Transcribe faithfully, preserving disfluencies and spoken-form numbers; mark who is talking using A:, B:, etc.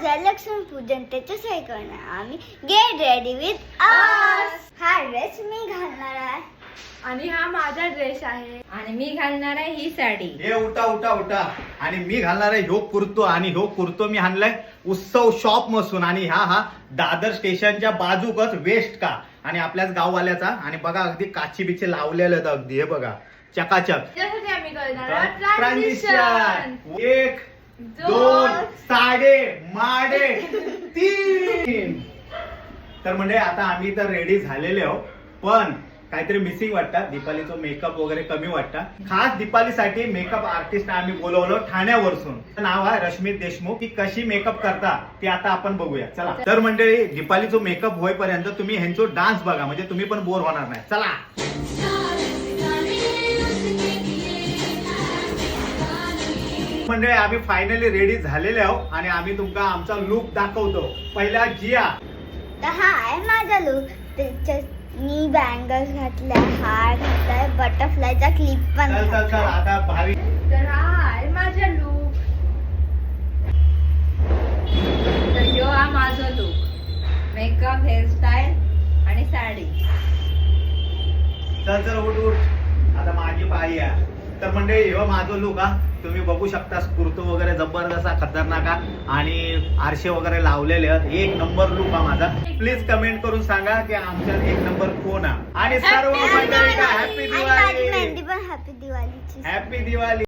A: आज लक्ष्मी पूजन त्याच्यासाठी करणार आम्ही गेट रेडी विथ अस. हा ड्रेस मी घालणार आहे
B: आणि हा माझा ड्रेस आहे
C: आणि मी घालणार आहे ही साडी.
D: हे उठा उठा उठा आणि मी घालणार आहे ह्यो कुर्तो आणि ह्यो कुर्तो मी आणलाय उत्सव शॉप मसून आणि हा हा दादर स्टेशनच्या बाजूकच वेस्ट का आणि आपल्याच गाववाल्याचा आणि बघा अगदी काची बिचे लावलेले आहेत अगदी हे बघा चकाचक.
B: त्यासाठी आम्ही करणार
D: ट्रान्झिशन एक दोन साडे माडे तीन. तर म्हणजे आता आम्ही तर रेडी झालेले आहो पण काहीतरी मिसिंग वाटतं. दीपालीचं मेकअप वगैरे कमी वाटतं. खास दीपालीसाठी मेकअप आर्टिस्ट आम्ही बोलवलो ठाण्यावरसून. नाव आहे रश्मी देशमुख. ती कशी मेकअप करता ते आता आपण बघूया चला. तर मंडळी दीपालीचं मेकअप होईपर्यंत तुम्ही ह्यांचा डान्स बघा म्हणजे तुम्ही पण बोर होणार नाही. चला म्हणजे आम्ही फायनली रेडी झालेले आहोत आणि आम्ही तुमका आमचा लुक दाखवतो. पहिला जिया.
A: तर हा आहे माझा लुक. त्याच्यात मी बँगल्स घातलाय, हार घातलाय, बटरफ्लायचा क्लिप पण
D: चल चल चल
A: घातलाय.
D: आता भारी.
B: तर हा आहे माझा लुक.
C: तर ह्यो हा माझा लुक. मेकअप, हेअरस्टाईल आणि साडी.
D: चल चल उठ उठ आता माझी पाळी आहे. तर म्हणजे ह्यो माझं लुक हा तुम्ही बघू शकता. कुर्तो वगैरे जबरदस्त खतरनाक आणि आरशे वगैरे लावलेले आहेत. एक नंबर लुक हा माझा. प्लीज कमेंट करून सांगा की आमच्यात एक नंबर कोण आहे आणि सर्व मंडळी का हॅपी
A: आणि माझी
D: दिवाळी.
A: मेहंदी पण हॅपी दिवाळीची.
D: हॅपी दिवाळी.